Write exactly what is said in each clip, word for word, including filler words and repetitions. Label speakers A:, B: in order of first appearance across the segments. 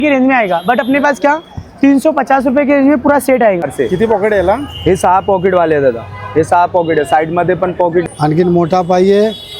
A: की रेंज में आएगा, बट अपने पास क्या तीन सौ पचास रुपये की रेंज में पूरा सेट आएगा।
B: किती पॉकेट याला?
C: हे सहा पॉकेट वाले आहेत दादा, हे सहा पॉकेट आहे, साइड मध्ये पण पॉकेट
D: आणखीन मोठा पाहिजे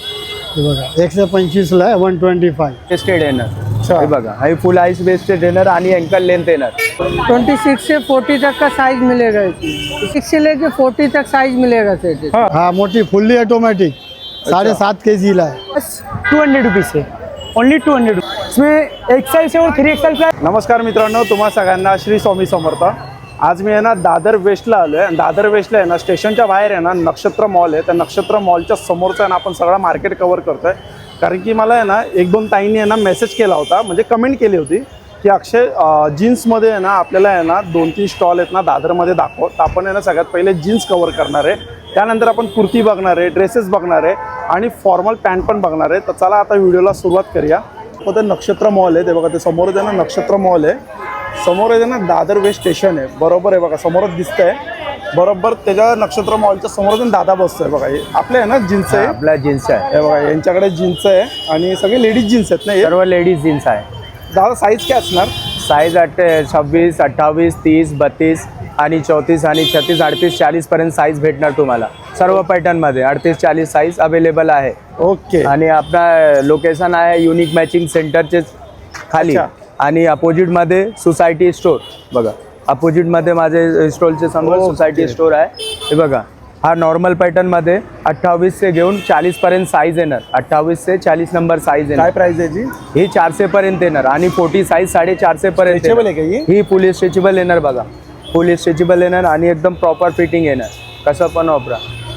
D: हे बघा एकशे पंचवीस ला वन ट्वेंटी फाय
C: वेस्टेड येणार। हे बघा हे फुल आइस वेस्टेड येणार आणि अँकल लेंथ येणार।
E: ट्वेंटी सिक्स से फोर्टी तक का साइज मिलेगा इसमें, सिक्स से लेके फोर्टी तक साइज मिलेगा सेट।
D: हा मोठी फुल्ली ऑटोमॅटिक साडेसात के जी ला आहे।
A: बस टू हंड्रेड रुपीज़ से, ओनली टू हंड्रेड इसमें एक्सेल से और थ्री एक्सेल का।
B: नमस्कार मित्रांनो, तुम्हा सगळ्यांना श्री स्वामी समर्थ। आज मी आहे ना दादर वेस्टला आलो आहे। दादर वेस्टला आहे ना स्टेशनच्या बाहेर आहे ना नक्षत्र मॉल आहे। त्या नक्षत्र मॉलच्या समोरचा आहे ना आपण सगळा मार्केट कव्हर करतोय, कारण की मला आहे ना एक दोन ताईंनी आहे ना मेसेज केला होता, म्हणजे कमेंट केली होती की अक्षय जीन्समध्ये आहे ना आपल्याला आहे ना दोन तीन स्टॉल आहेत ना दादरमध्ये दाखव। तर आपण आहे ना सगळ्यात पहिले जीन्स कव्हर करणार आहे, त्यानंतर आपण कुर्ती बघणार आहे, ड्रेसेस बघणार आहे आणि फॉर्मल पॅन्ट पण बघणार आहे। तर चला आता व्हिडिओला सुरुवात करूया। तो ते नक्षत्र मॉल आहे, ते बघा ते समोर आहे ना नक्षत्र मॉल आहे, समोर आहे ना दादर वेस्ट स्टेशन आहे, बरोबर आहे बघा समोरच दिसतंय। बरोबर त्याच्या नक्षत्र मॉलच्या समोर दादा बसतोय बघा। हे आपले आहे ना जीन्स आहे,
C: आपला जीन्स आहे,
B: हे बघा यांच्याकडे जीन्स आहे आणि सगळे लेडीज जीन्स आहेत ना हे?
C: सर्व लेडीज जीन्स आहे।
B: दादा साईज काय असणार?
C: साईज अठ छब्बीस अठ्ठावीस तीस बत्तीस आणि चौतीस आणि छत्तीस अडतीस चाळीस पर्यंत साईज भेटणार तुम्हाला। सर्व पॅटर्न मध्ये अडतीस चाळीस साईज अवेलेबल आहे।
B: ओके।
C: आणि आपला लोकेशन आहे युनिक मॅचिंग सेंटरचे खाली आणि अपोजिट मध्ये सोसायटी स्टोर बघा। अपोजिट मध्ये माझे स्टॉलचे समोर सोसायटी स्टोर आहे। हे बघा हा नॉर्मल पॅटर्न मध्ये अठ्ठावीस से घेऊन चाळीस पर्यंत साईज येणार। अठ्ठावीस से चाळीस नंबर साईज येणार।
B: काय प्राइस आहे जी?
C: ही चारशे पर्यंत येणार आणि फोर्टी साईज साडे चारशे पर्यंत
B: स्ट्रेचेबल आहे का ही?
C: ही फुल स्ट्रेचेबल येणार बघा, फुल स्ट्रेचेबल येणार आणि एकदम प्रॉपर फिटिंग येणार, कसं पण वापरा।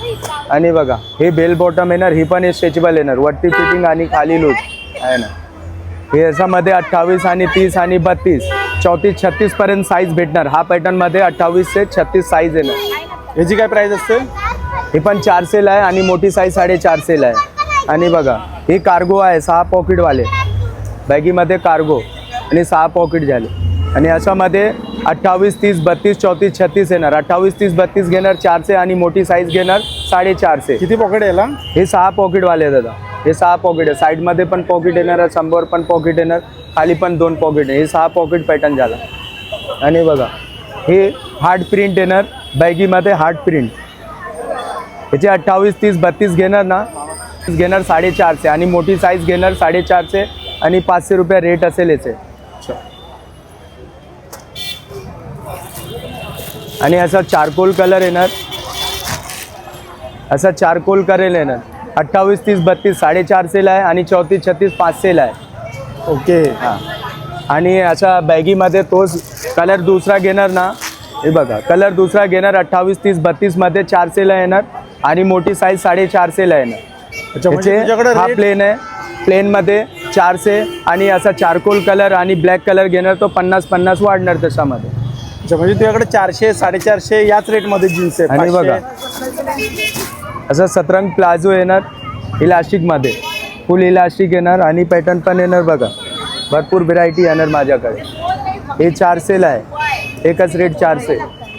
C: आणि बघा हे बेल बॉटम येणार, ही पण स्ट्रेचेबल येणार, वरती फिटिंग आणि खाली लूज आहे ना। हे याच्यामध्ये अठ्ठावीस आणि तीस आणि बत्तीस चौतीस छत्तीस पर्यंत साईज भेटणार। हा पॅटर्न मध्ये अठ्ठावीस से छत्तीस साईज येणार।
B: याची काय प्राइस असते?
C: हे पण चारशेला आहे आणि मोठी साईज साडेचारशेला आहे। आणि बघा हे कार्गो आहे, सहा पॉकेटवाले बॅगीमध्ये कार्गो आणि सहा पॉकेट झाले। आणि याच्यामध्ये अठ्ठावीस तीस बत्तीस चौतीस छत्तीस येणार। अठ्ठावीस तीस बत्तीस घेणार चारशे आणि मोठी साईज घेणार साडेचारशे।
B: किती पॉकेट याला?
C: हे सहा पॉकेटवाले दादा, हे सहा पॉकेट आहे। साईडमध्ये पण पॉकेट येणार, समोर पण पॉकेट येणार, खाली पण दोन पॉकेट आहे। हे सहा पॉकेट पॅटर्न झाला। आणि बघा हे हार्ड प्रिंट येणार, बॅगीमध्ये हार्ड प्रिंट। याचे अठ्ठावीस तीस बत्तीस घेणार ना घेणार साडेचारशे आणि मोठी साईज घेणार साडेचारशे आणि पाचशे रुपये रेट असेल याचे। आणि असा चारकोल कलर येणार, असा चारकोल कलर येणार। अठ्ठावीस तीस बत्तीस साडेचारशेला आहे आणि चौतीस छत्तीस पाचशेला आहे।
B: ओके।
C: हां आणि असा बॅगीमध्ये तोच कलर दुसरा घेणार ना, हे बघा कलर दुसरा घेणार अठ्ठावीस तीस बत्तीसमध्ये चारशेला येणार आणि मोठी साईज साडेचारशेला येणार। त्याचे हा प्लेन आहे, प्लेनमध्ये चारशे आणि असा चारकोल कलर आणि ब्लॅक कलर घेणार तो पन्नास पन्नास वाढणार त्याच्यामध्ये।
B: अच्छा, म्हणजे तुझ्याकडे चारशे साडेचारशे याच रेटमध्ये जीन्स आहे।
C: आणि बघा असं सतरंग प्लाझो येणार इलास्टिकमध्ये, फुल इलास्टिक येणार आणि पॅटर्न पण येणार बघा, भरपूर व्हरायटी येणार माझ्याकडे। हे चारशेला आहे, एकच रेट चारशे।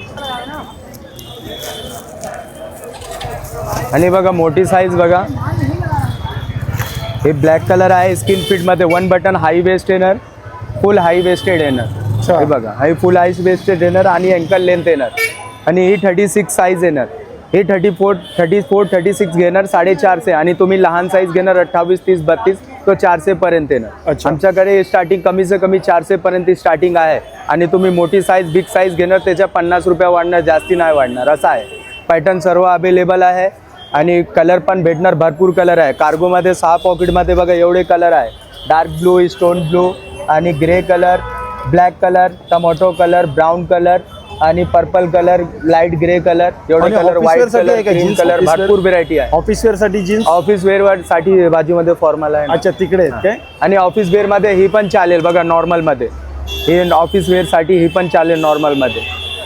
C: आणि बघा मोठी साईज बघा, हे ब्लॅक कलर आहे स्किन फिटमध्ये, वन बटन हाई वेस्ट येणार, फुल हाई वेस्टेड येणार। हे बघा हे फुल हाई वेस्टेड येणार आणि अँकल लेंथ येणार। आणि ही थर्टी सिक्स साईज येणार, हे thirty four thirty four thirty six घेणार साडेचारशे आणि तुम्ही लहान साईज घेणार अठ्ठावीस तीस बत्तीस तो चारशे पर्यंत येणार। आमच्याकडे स्टार्टिंग कमी से कमी चारशे पर्यंत स्टार्टिंग आहे आणि तुम्ही मोठी साईज बिग साईज घेणार त्याच्या पन्नास रुपये वाढणार, जास्ती नाही वाढणार असं आहे। पॅटर्न सर्व अवेलेबल आहे आणि कलर पण भेटणार, भरपूर कलर आहे। कार्गोमध्ये सहा पॉकेटमध्ये बघा एवढे कलर आहे, डार्क ब्लू, स्टोन ब्लू आणि grey colour, black colour, tomato colour, brown colour आणि purple colour, light grey colour, एवढे colour, white colour, green colour, भरपूर व्हरायटी आहे।
B: ऑफिस वेअर साठी जीन्स,
C: ऑफिस वेअर साठी बाजूमध्ये फॉर्मल आहे।
B: अच्छा तिकडे आहेत काय?
C: आणि ऑफिस वेअर मध्ये ही पण चालेल बघा, नॉर्मल मध्ये हे ऑफिस वेअर साठी ही पण चालेल नॉर्मल मध्ये।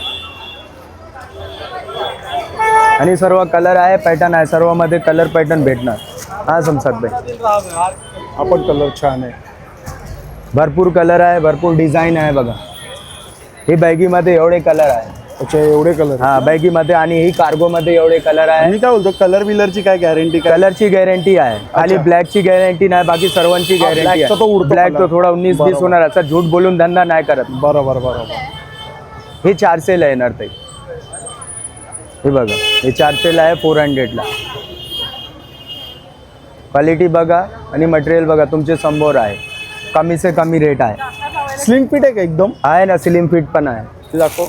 C: आणि सर्व कलर आहे, पॅटर्न आहे, सर्व मध्ये कलर पॅटर्न भेटणार। हा समसात भाई
B: आपण कलर छान आहे,
C: भरपूर कलर आहे, भरपूर डिझाईन आहे बघा। हे बॅगीमध्ये एवढे कलर आहे।
B: अच्छा एवढे कलर
C: हा बॅगी मध्ये आणि ही कार्गो मध्ये एवढे कलर आहे.
B: मी काय बोलतो कलर बिलरची काय गॅरंटी काय?
C: कलरची गॅरंटी आहे, खाली ब्लॅकची गॅरंटी नाही, बाकी सर्वांची
B: हा,
C: गॅरंटी
B: black चा तो
C: आहे.
B: उडतो
C: ब्लॅक
B: color.
C: तो थोडा उन्नीस बीस
B: बरोबर.
C: होणार, असा झूठ बोलून धंदा नाही करत.
B: बरोबर बरोबर.
C: हे चारशेला येणार ताई. हे बघा हे चारशेला आहे, फोर हंड्रेडला. क्वालिटी बघा आणि मटेरियल बघा तुमचे समोर आहे, कमी से कमी रेट आहे.
B: स्लिम फिट आहे का एकदम?
C: आहे ना, स्लिम फिट पण आहे.
B: ते दाखव.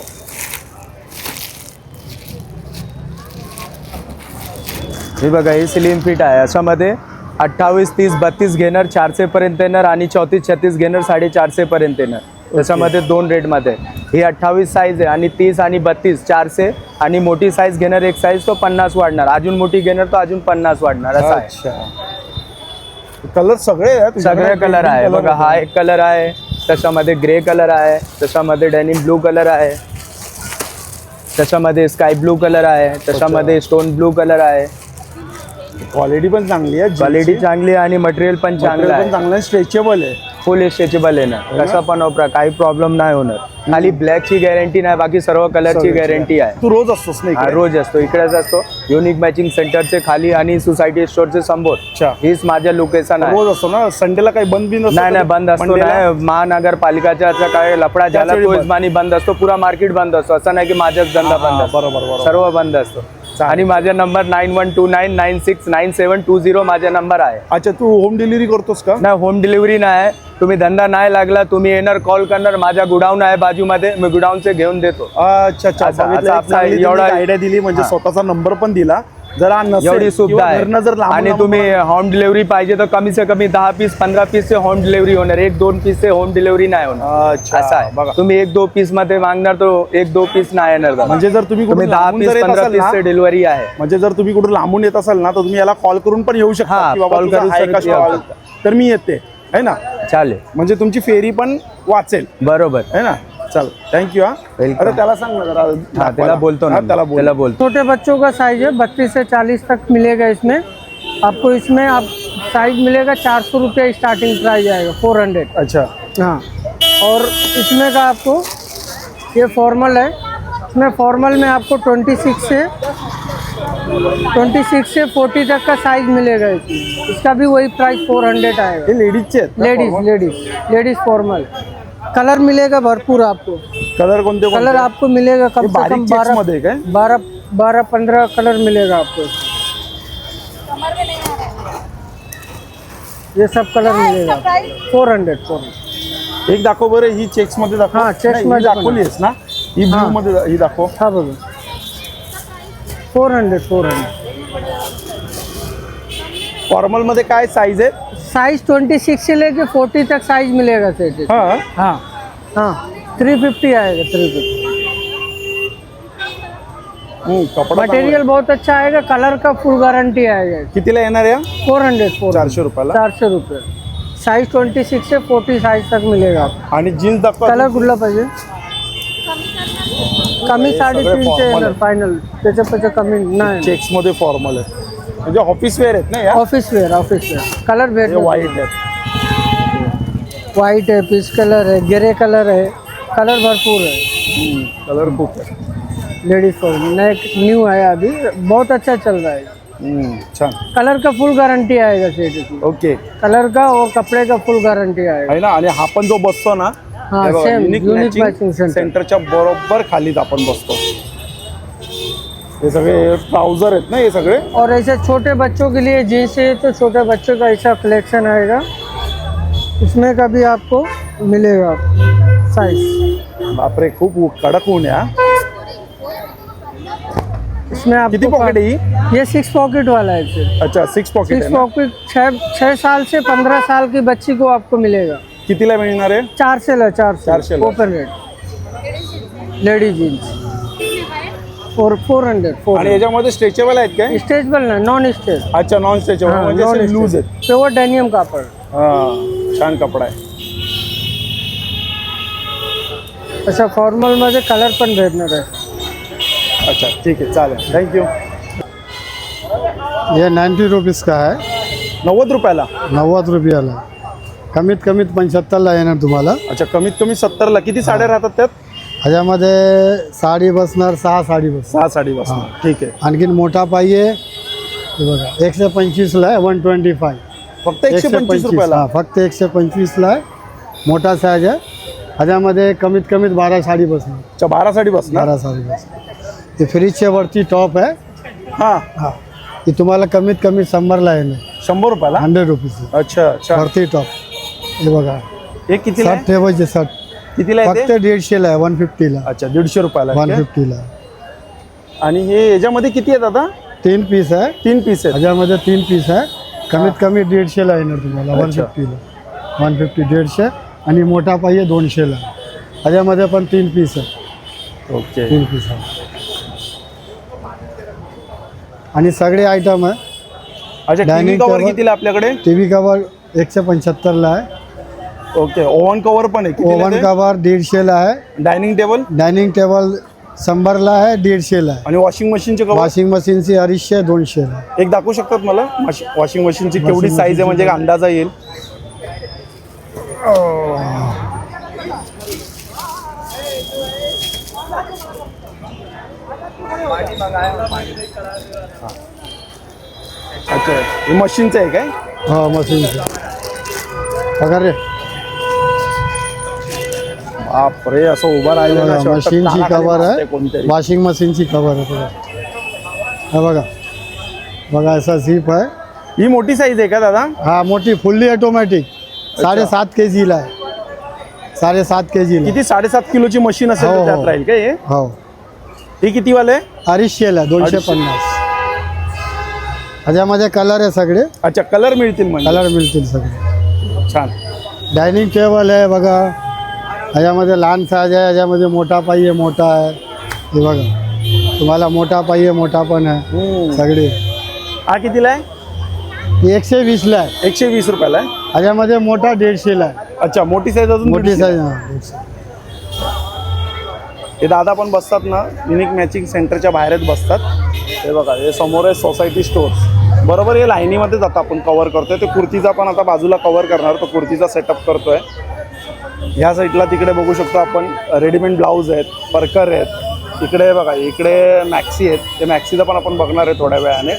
C: हे बघा हे स्लिम फिट आहे, अशामध्ये अठ्ठावीस तीस बत्तीस घेणार चारशे पर्यंत येणार आणि चौतीस छत्तीस घेणार साडेचारशे पर्यंत येणार. त्याच्यामध्ये दोन रेटमध्ये ही अठ्ठावीस साईज आहे आणि तीस आणि बत्तीस चारशे आणि मोठी साईज घेणार एक साईज तो पन्नास वाढणार, अजून मोठी घेणार तो अजून पन्नास वाढणार असं आहे.
B: अच्छा कलर सगळे आहेत
C: सगळे कलर आहे बघा. हा एक कलर आहे, त्याच्यामध्ये ग्रे कलर आहे, त्याच्यामध्ये डेनिम ब्लू कलर आहे, त्याच्यामध्ये स्काय ब्लू कलर आहे, त्याच्यामध्ये स्टोन ब्लू कलर आहे.
B: क्वालिटी पण चांगली आहे,
C: क्वालिटी चांगली आहे आणि मटेरियल पण चांगलं आहे,
B: पण चांगलं आहे, स्ट्रेचेबल आहे.
C: फुल स्ट्रेचेबल आहे ना, कसा पण वापरा काही प्रॉब्लेम नाही होणार. खाली ब्लॅकची गॅरंटी नाही, बाकी सर्व कलरची गॅरंटी आहे.
B: तू रोज असतोस नाही?
C: हा रोज असतो, इकडेच असतो. युनिक मॅचिंग सेंटरचे खाली आणि सोसायटी स्टोरचे समोर.
B: अच्छा
C: हीच माझ्या लोकेशन आहे.
B: रोज असतो ना? संडेला काही बंद बिन
C: नाही नाही बंद असतो नाही, महानगरपालिकाचा काय लफडा झाला तो हिशोबाने बंद असतो, पुरा मार्केट बंद असतो. असं नाही की माझाच धंदा बंद असतो,
B: बरोबर बरोबर.
C: सर्व बंद असतो. आणि माझा number nine one two nine nine six nine seven two zero माझा नंबर आहे.
B: अच्छा तू होम डिलिव्हरी करतोस का?
C: नाही होम डिलिव्हरी नाही. तुम्ही धंदा नाही लागला तुम्ही येणार कॉल करणार, माझा गुडाऊन आहे बाजूमध्ये, मी गुडाऊनचे घेऊन देतो.
B: अच्छा अच्छा
C: असं-
B: बघितलं,
C: असं
B: एक
C: आपला
B: चांगली
C: एवढा-
B: तुम्ही आयडिया दिली, म्हणजे
C: हा.
B: स्वतःचा नंबर पण दिला. जर हा नसेल
C: एवढी सुविधा
B: किंवा घरनं जर
C: आहे.
B: लांबून
C: आणि
B: लांबून
C: तुम्ही होम डिलिव्हरी पाहिजे तर कमी से कमी दहा पीस पंधरा पीस से होम डिलिव्हरी होणार, एक दोन पीस से होम डिलिव्हरी नाही होणार.
B: अच्छा
C: असं आहे
B: बघा.
C: तुम्ही एक दो पीस मध्ये मागणार तो एक दो पीस नाही येणार दादा.
B: म्हणजे जर तुम्ही
C: तुम्ही
B: कुठून
C: दहा
B: लांबून
C: पीस
B: जर येत
C: पंधरा
B: असाल
C: पीस
B: ना,
C: से डिलिव्हरी आहे.
B: म्हणजे जर तुम्ही कुठून लांबून येत असाल ना तर तुम्ही याला कॉल करून पण येऊ शकता
C: हा,
B: की बाबा
C: call
B: तुझा
C: करून
B: आहे का
C: येऊ
B: stall? तर मी येते है ना,
C: चालेल
B: म्हणजे तुमची फेरी पण वाचेल
C: बरोबर.
B: है ना. चल थँक्यू. हा
C: Welcome.
B: अरे त्याला सांग ना जरा
C: हा त्याला
B: दाखवायला.
C: बोलतो ना,
B: हा, त्याला बोल.
C: त्याला बोलतो.
E: छोटे बच्चों का साइज है बत्तीस से चालीस तक मिलेगा इसमें आपको. इसमें आप साइज मिलेगा चार सौ रुपये स्टार्टिंग प्राइस आएगा, फोर हंड्रेड.
B: अच्छा
E: हाँ, और इसमें का आपको ये फॉर्मल है, इसमें फॉर्मल में आपको ट्वेंटी सिक्स से ट्वेंटी सिक्स से फोर्टी तक का साइज मिलेगा इसमें. इसका भी वही प्राइस फोर हंड्रेड आएगा.
B: हे लेडीजचे आहेत ना
E: ladies
B: formal?
E: Ladies ladies formal. Colour मिलेगा भरपूर आपको.
B: कलर कोणते कोणते?
E: कलर आपको मिलेगा कम
B: हे
E: से
B: बारीक
E: कम
B: checks
E: बारह
B: मध्ये काय?
E: बारह बारह पंद्रह कलर मिलेगा आपको. ये सब कलर मिलेगा फोर हंड्रेड फोर हंड्रेड.
B: एक दाखव बरं, ही चेक्स मध्ये दाखव.
E: हा, checks
B: नाही, ही
E: मध्ये पण
B: दाखवलीस ना, ही ब्लू
E: हा.
B: मध्ये दा- ही दाखव.
E: हा बघा four hundred four hundred.
B: Formal मध्ये काय साईज आहे?
E: साइज ट्वेंटी सिक्स से लेके फोर्टी तक साइज मिलेगा सेट.
B: हा
E: हाँ हाँ थ्री फिफ्टी आएगा थ्री फिफ्टी.
B: हम्म, कपडा
E: मटेरियल बहुत अच्छा आएगा, कलर का फुल गारंटी आएगा.
B: चांगला. कितीला येणार या?
E: फोर हंड्रेड फोर
B: चारशे रुपयाला.
E: चारशे रुपये. साइज ट्वेंटी सिक्स से फोर्टी साइज तक मिलेगा आपको.
B: आणि जीन्स दाखव.
E: कलर कुठला पाहिजे? कमी साडेतीनशे
B: formal
E: येणार
B: आहे.
E: फायनल, त्याच्यापेक्षा कमी नाही.
B: चेक्स मध्ये फॉर्मल आहे, म्हणजे ऑफिस वेअर आहेत ना या?
E: Office wear office wear. Colour
B: हे
E: भेट
B: व्हाईट आहेत.
E: व्हाइट है, पीच कलर है, ग्रे कलर है, कलर भरपूर है.
B: कलर खूप आहे.
E: लेडीज फॉर नए न्यू है अभी, बहुत अच्छा चल रहा है.
B: हम्म, छान.
E: कलर का फुल गारंटी आएगा सेट की.
B: ओके
E: कलर का और कपड़े का फुल गारंटी आएगा.
B: आहे ना. आणि हा पण जो बसतो ना,
E: हाँ,
B: हे बघा,
E: same,
B: unique
E: unique
B: matching
E: matching center.
B: सेंटरच्या बरोबर खालीच आपण बसतो. हे सगळे ट्राउजर आहेत ना हे सगळे.
E: और ऐसे छोटे बच्चों के लिए जीन्स है तो छोटे बच्चों का ऐसा कलेक्शन आएगा, इसमें का भी आपको मिलेगा साइज.
B: बापरे खूप उ- कडक ऊन आहे हा.
E: इसमें
B: किती
E: आपको
B: पॉकेट आहे ही?
E: ये सिक्स पॉकेट वाला है सर.
B: अच्छा सिक्स पॉकेट
E: सिक्स
B: आहे ना.
E: पॉकेट छः छः साल से पंद्रह साल की बच्ची को आपको मिलेगा.
B: कितीला मिळणार आहे?
E: चार से ला चार
B: चार
E: से
B: से ला.
E: Open rate ladies jeans four four hundred four.
B: आणि याच्यामध्ये स्ट्रेचेबल आहेत काय?
E: स्ट्रेचेबल ना, नॉन स्ट्रेच.
B: अच्छा नॉन स्ट्रेचेबल म्हणजे लूज आहेत.
E: प्योर डेनियम कापड.
B: हा छान कपडा आहे.
E: अशा फॉर्मल मध्ये कलर पण भेटणार आहे.
B: अच्छा ठीक आहे चालेल थँक्यू.
D: ये नाइन्टी रुपीज़ का है,
B: नव्वद रुपयाला.
D: नव्वद रुपयाला. कमीत कमीत पंच्याहत्तरला येणार तुम्हाला.
B: अच्छा कमीत कमी सत्तरला. किती साड्या राहतात त्यात?
D: ह्याच्यामध्ये साडी बसणार, सहा साडी बसणार.
B: सहा साडी बसणार. ठीक आहे.
D: आणखीन मोठा पाहिजे हे बघा एकशे पंचवीसला आहे, वन ट्वेंटी फाय.
B: फक्त एकशे पंचवीस रुपयाला.
D: हां फक्त एकशे पंचवीसला आहे, मोठा साईज आहे. ह्याच्यामध्ये कमीत कमीत बारा साडी बसणार.
B: अच्छा, बारा साडी बसणार.
D: बारा साडी बसणार. ते फ्रीजच्या वरती टॉप आहे.
B: हा
D: हां ती तुम्हाला कमीत कमी शंभरला आहे ना,
B: शंभर रुपयाला.
D: हंड्रेड रुपीज
B: अच्छा अच्छा.
D: वरती टॉप हे बघा.
B: हे कितीला
D: शर्ट ठेवायचे शर्ट
B: कितीला आहे
D: फक्त
B: ते?
D: दीडशेला आहे, वन फिफ्टीला.
B: अच्छा, दीडशे रुपयाला
D: वन
B: आहे.
D: फिफ्टीला
B: आणि हे याच्यामध्ये किती आहेत आता?
D: तीन पीस आहे.
B: तीन पीस आहेत.
D: ह्याच्यामध्ये तीन पीस आहे. कमीत कमी दीडशेला येणार तुम्हाला, वन
B: अच्छा.
D: फिफ्टीला. वन फिफ्टी दीडशे आणि मोठा पाहिजे दोनशेला. ह्याच्यामध्ये पण तीन पीस आहे.
B: ओके.
D: तीन पीस आहे आणि सगळे आयटम आहे.
B: अच्छा, टीव्ही
D: Dining
B: कव्हर
D: table.
B: कितीला आपल्याकडे?
D: टी व्ही कवर एकशे पंच्याहत्तरला आहे.
B: ओके. ओव्हन कव्हर पण आहे.
D: ओव्हन कवर दीडशेला आहे.
B: डायनिंग टेबल
D: डायनिंग टेबल शंभरला आहे, दीडशेला आहे.
B: आणि वॉशिंग मशीनचे कव्हर
D: वॉशिंग मशीनची अडीचशे दोनशेला.
B: एक दाखवू शकतात मला? वॉशिंग मशीनची केवढी
D: Washing
B: साईज आहे म्हणजे एक अंदाजा येईल. अच्छा, हे मशीनचं आहे काय?
D: हो मशीनची. पगार रे
B: बापरे, असं उभं राहिलं ना, शेवटचं
D: मशीनची
B: कानाखाली
D: कवर
B: बसते
D: आहे.
B: कोणतरी.
D: वॉशिंग मशीनची कवर आहे बघा. हा बघा बघा असा झीप आहे.
B: ही मोठी साईज आहे का दादा?
D: हा मोठी फुल्ली ऑटोमॅटिक साडेसात के जीला आहे. साडेसात के जीला.
B: किती? साडेसात किलोची मशीन असेल
D: हो,
B: तर
D: हो.
B: त्यात राहील का हे?
D: हो
B: हे किती वाले?
D: अडीचशेला दोनशे
B: अडीचशे.
D: पन्नास. ह्याच्यामध्ये कलर आहे सगळे.
B: अच्छा, कलर मिळतील म्हणजे.
D: कलर मिळतील सगळे.
B: छान.
D: डायनिंग टेबल आहे बघा. ह्याच्यामध्ये लहान साईज आहे, ह्याच्यामध्ये मोठा पाहिजे मोठा आहे. हे बघा तुम्हाला मोठा पाहिजे मोठा पण आहे.
B: हम्म.
D: सगळे
B: हा कितीला आहे?
D: हे एकशे वीसला आहे.
B: एकशे वीस रुपयाला आहे.
D: ह्याच्यामध्ये मोठा दीडशेला आहे.
B: अच्छा, मोठी साईज अजून
D: मोठी
B: दीडशे.
D: साईज हा, दीडशे.
B: हे दादा पण बसतात ना, युनिक मॅचिंग सेंटरच्या बाहेरच बसतात. हे बघा, हे समोर आहे सोसायटी स्टोर्स. बरोबर हे लाईनीमध्येच आता आपण कव्हर करतोय. ते कुर्तीचा पण आता बाजूला कव्हर करणार, तो कुर्तीचा सेटअप करतोय. ह्या साईडला तिकडे बघू शकतो आपण रेडीमेड ब्लाऊज आहेत, परकर आहेत. इकडे बघा, इकडे मॅक्सी आहेत. ते मॅक्सीचा पण आपण बघणार आहे थोड्या वेळाने.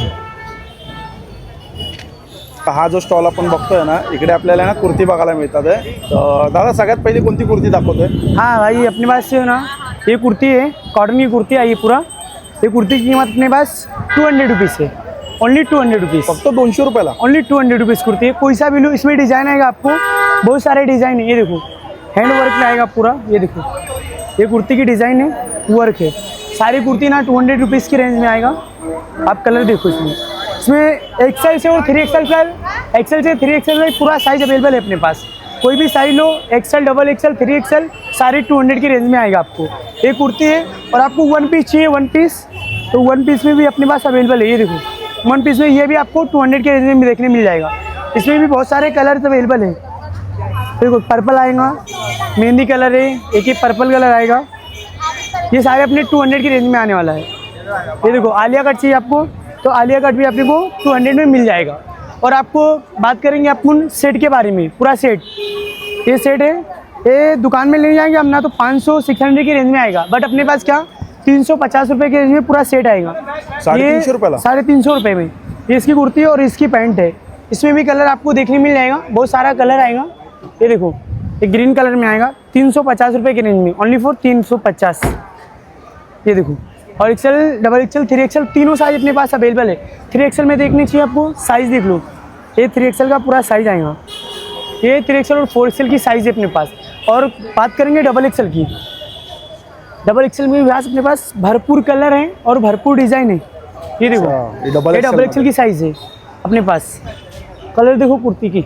B: तर हा जो स्टॉल आपण बघतोय ना, इकडे आपल्याला ना कुर्ती बघायला मिळतात आहे. तर दादा सगळ्यात पहिली कोणती कुर्ती दाखवतोय?
A: हाँ भाई, अपने पास से ना ये कुर्ती है, कॉटन की कुर्ती आई है पूरा. ये कुर्ती की कीमत अपने पास टू हंड्रेड रुपीज़ है, ओनली टू हंड्रेड रुपीज़.
B: फक्त दोनशे रुपयाला.
A: Only two hundred rupees kurti है. कोई सा भी लो, इसमें डिज़ाइन आएगा आपको, बहुत सारे डिज़ाइन है. ये देखो हैंड वर्क में आएगा पूरा. ये देखो, ये कुर्ती की डिज़ाइन है, वर्क है. सारी कुर्ती ना टू हंड्रेड रुपीज़ की रेंज में आएगा. आप कलर देखो इसमें. इसमें एक्सेल से और थ्री एक्सेल का, एक्सेल से थ्री एक्सेल का पूरा साइज अवेलेबल है अपने पास. कोई भी साइज लो, XL, double XL, three XL, सारे टू हंड्रेड की रेंज में आएगा आपको. एक कुर्ती है. और आपको वन पीस चाहिए, वन पीस, तो वन पीस में भी अपने पास अवेलेबल है. ये देखो वन पीस में ये भी आपको टू हंड्रेड के रेंज में भी देखने मिल जाएगा. इसमें भी बहुत सारे कलर्स अवेलेबल है. देखो पर्पल आएगा, मेहंदी कलर है, एक ही पर्पल कलर आएगा. ये सारे अपने टू हंड्रेड की रेंज में आने वाला है. ये देखो आलिया कट चाहिए आपको, तो आलिया कट भी अपने को टू हंड्रेड में मिल जाएगा. और आपको बात करेंगे अपन सेट के बारे में, पूरा सेट. ये सेट है, ये दुकान में ले जाएंगे हम ना तो पाँच सौ सिक्स हंड्रेड की रेंज में आएगा. बट अपने पास क्या तीन सौ पचास रुपये की रेंज में पूरा सेट आएगा.
B: साढ़े तीन सौ रुपये
A: साढ़े तीन सौ रुपये में ये इसकी कुर्ती है और इसकी पैंट है. इसमें भी कलर आपको देखने मिल जाएगा, बहुत सारा कलर आएगा. ये देखो, ये ग्रीन कलर में आएगा, तीन सौ पचास रुपये की रेंज में, ओनली फॉर तीन सौ पचास. ये देखो, और XL, double XL, three XL, तीनों साइज अपने पास अवेलेबल है. थ्री एक्सेल में देखनी चाहिए आपको, साइज़ देख लो. ये थ्री एक्सेल का पूरा साइज आएगा. ये थ्री एक्सेल और फोर एक्सेल की साइज़ है अपने पास. और बात करेंगे डबल एक्सेल की, डबल एक्सेल में भी अपने पास भरपूर कलर हैं और भरपूर डिज़ाइन है. ये देखो,
B: ये डबल
A: ये डबल एक्सेल की साइज़ है अपने पास. कलर देखो कुर्ती की.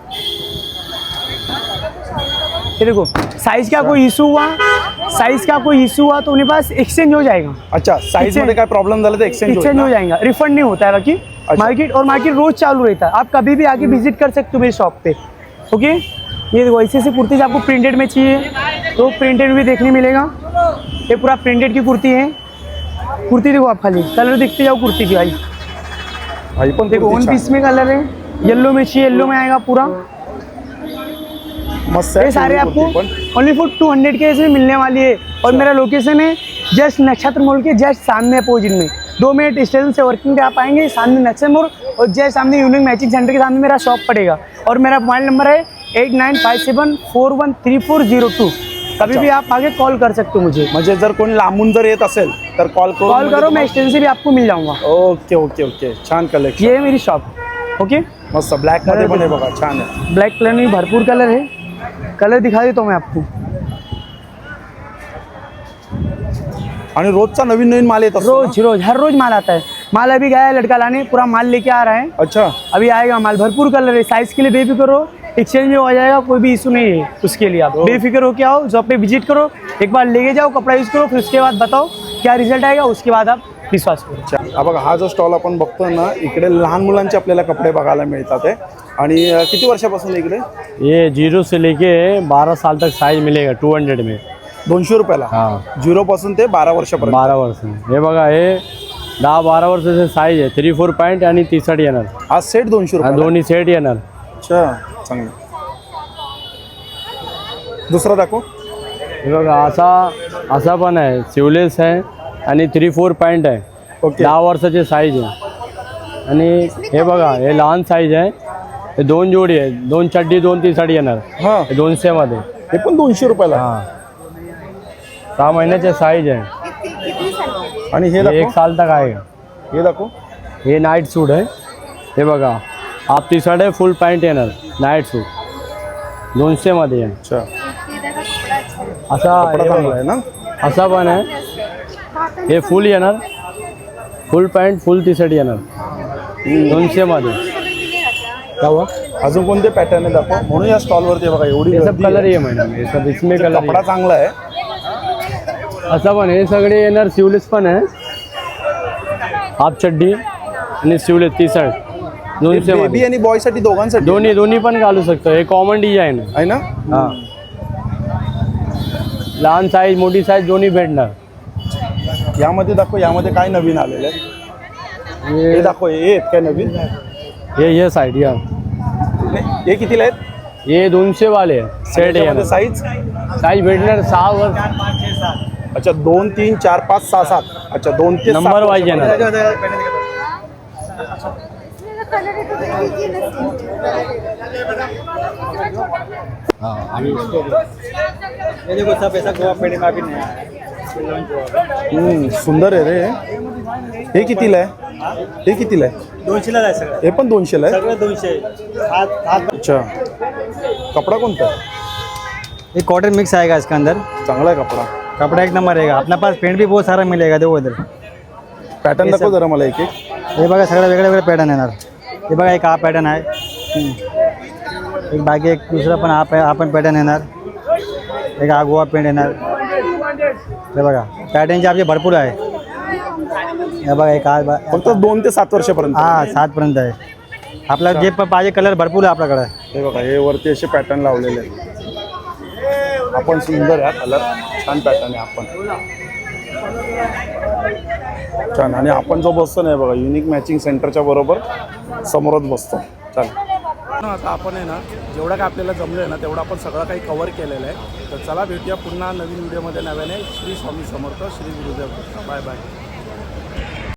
A: ये देखो, साइज़ का कोई इशू हुआ, साइज़ का कोई इशू हुआ तो उन्हें पास एक्सचेंज हो जाएगा.
B: अच्छा, साइज मध्ये काय प्रॉब्लेम झाला तर एक्सचेंज
A: एक्सचेंज हो जाएगा, रिफंड नहीं होता है. बाकी मार्केट और मार्केट रोज चालू रहता है. आप कभी भी आके विजिट कर सकते हो मेरी शॉप पे. ओके, ये देखो ऐसे ऐसे कुर्ती आपको प्रिंटेड में चाहिए तो प्रिंटेड भी देखने मिलेगा. ये पूरा प्रिंटेड की कुर्ती है. कुर्ती देखो आप, खाली कलर देखते जाओ कुर्ती की. भाई
B: भाई पण
A: देखो, वन पीस में कलर है, येलो में चाहिए, येलो में आएगा पूरा.
B: मस्त
A: ये
B: आहे
A: सारे
B: कुर्ती
A: आपको
B: पण.
A: ओनली फॉर टू हंड्रेड के इसमें मिलने वाली है। और मेरा लोकेशन है जस्ट नक्षत्र मॉल के जस्ट सामने अपोजिट में, दो मिनट स्टेशन से वर्किंग पे आप आएंगे, सामने नक्षत्र मॉल और जस्ट सामने यूनिक मैचिंग सेंटर के सामने मेरा शॉप पड़ेगा। और मेरा मोबाइल नंबर है eight nine five seven four one three four zero two. कभी भी आप आगे कॉल कर सकते हो मुझे,
B: म्हणजे जर कोणी लांबून जर येत असेल तर कॉल करून
A: कॉल करो, मैं स्टेशन से भी आपको मिल जाऊंगा।
B: ओके ओके ओके छान कलेक्शन,
A: ये है मेरी शॉप। ओके,
B: मस्त ब्लॅक मध्ये पण आहे बघा, छान आहे.
A: ब्लैक कलर में भरपूर कलर है, कलर दिखा देता हूँ मैं आपको।
B: आणि रोजचा नवीन नवीन माल येत असतो ना?
A: रोज रोज हर रोज माल आता है। माल अभी गया है, लड़का लाने पूरा माल लेके आ रहा है,
B: अच्छा
A: अभी आएगा माल। भरपूर कलर है, साइज के लिए बेफिक्र हो, एक्सचेंज में हो जाएगा, कोई भी इशू नहीं है उसके लिए। आप बेफिक्र हो के आओ, जॉब पे विजिट करो, एक बार लेके जाओ, कपड़ा यूज़ करो, फिर उसके बाद बताओ क्या रिजल्ट आएगा, उसके बाद आप विश्वास करो।
B: अच्छा, हा बघा हा जो स्टॉल आपण बघतोय ना, इकडे लहान मुलांचे आपल्याला कपडे बघायला मिळतात आहे. आणि अ, किती वर्षापासून इकडे?
F: ये जीरो से लेके बारह साल तक साइज मिलेगा टू हंड्रेड में।
B: दोनशे रुपयाला
F: हाँ
B: झिरो पासून ते बारा वर्षापर्यंत.
F: बारह वर्ष में हे बघा हे दहा बारा वर्षाचे साईज आहे, थ्री फोर पॅन्ट आणि टी शर्ट येणार,
B: हा सेट दोनशे
F: हा
B: रुपये.
F: दोन्ही सेट येणार.
B: अच्छा चांगलं. दुसरा दाखव.
F: हे बघा असा असा पण आहे, सिवलेस आहे आणि थ्री फोर पॅन्ट आहे,
B: ओके
F: दहा वर्षाचे साईज आहे. आणि हे बघा हे लहान साईज आहे, हे दोन जोडी आहे, दोन चड्डी दोन टी शर्ट येणार,
B: हा
F: हे दोनशे मध्ये.
B: हे पण दोनशे रुपयाला.
F: हां सहा महिन्याचे साईज आहे,
B: आणि हे
F: हे एक
B: दाखव,
F: साल तक आएगा.
B: हे दाखव.
F: हे नाईट सूट आहे, हे बघा हाफ टी शर्ट आहे, फुल पॅन्ट येणार, नाईट सूट दोनशेमध्ये आहे.
B: अच्छा
F: असा
B: कपडा
F: हे
B: चांगला
F: बघा,
B: आहे ना.
F: असा पण आहे, हे फुल येणार, full pant full T shirt येणार दोनशेमध्ये. क्या हुआ?
B: अजून कोणते पॅटर्न आहे दाखव. म्हणून या स्टॉलवरती बघा एवढी
F: ये सब
B: गर्दी
F: कलर
B: आहे.
F: ये मैडम, ये सब इसमें कलर
B: कपडा चांगला आहे.
F: असं पण हे सगळे येणार, सिवलेस पण आहे, हाफ चड्डी आणि सिवलेस टी शर्ट दोनशे
B: बेबी
F: मध्ये.
B: आणि बॉय साठी दोघांसाठी
F: दोन्ही दोन्ही पण घालू शकतो, हे कॉमन डिझाईन आहे.
B: आहे ना.
F: हां लहान साईज मोठी साईज दोन्ही भेटणार.
B: यामध्ये दाखव, यामध्ये काय नवीन आलेलं आहे. हे दाखव, हे आहेत काय नवीन.
F: हे ये साईड या,
B: नाही, हे कितीला आहेत.
F: ये दोनशे वाले सेट येणार,
B: साईज.
F: साईज भेटणार सहा वर,
B: अच्छा दोन तीन चार पाच सहा सात. अच्छा दोन ते सात
F: नंबर वाईज येणार.
B: हम्म, सुंदर आहे रे. हे कितीला आहे. हे कितीला आहे.
G: दोनशेला आहे सगळं,
B: हे पण दोनशेला आहे.
G: सगळं दोनशे. हाथ हाथ
B: अच्छा कपडा कोणता आहे.
G: ये कॉटन मिक्स आएगा इसके अंदर,
B: चांगला आहे कपडा.
G: कपड़ा एक नंबर रहेगा. अपने पास पेंट भी बहुत सारा मिलेगा. देखो इधर
B: पॅटर्न दाखव जरा मला एक एक.
G: हे बघा सगळं वेगळे वेगळे पॅटर्न येणार. हे बघा एक हा पॅटर्न आहे, एक बाकी एक दुसरा पण हा पॅ हा पण पॅटर्न येणार, एक हा गोवा पेंट येणार. हे बघा पॅटर्नचे आपले भरपूर आहे. हे बघा एक हा बा-
B: फक्त दोन ते सात वर्षापर्यंत.
G: हा सातपर्यंत आहे. आपल्याला जे पण पाहिजे कलर भरपूर आहे आपल्याकडे.
B: हे बघा हे वरती असे पॅटर्न लावलेले आहेत. आपण सुंदर आहे कलर, छान पॅटर्न आहे. आपण छान. आणि आपण जो बसतो ना, हे बघा युनिक मॅचिंग सेंटरच्या बरोबर समोरच बसतो. चालेल. आता आपण आहे ना, जेवढं काय आपल्याला जमलं आहे ना तेवढं आपण सगळं काही कव्हर केलेलं आहे. तर चला भेटूया पुन्हा नवीन व्हिडिओमध्ये नव्याने. श्री स्वामी समर्थ, श्री गुरुदेव. Bye bye.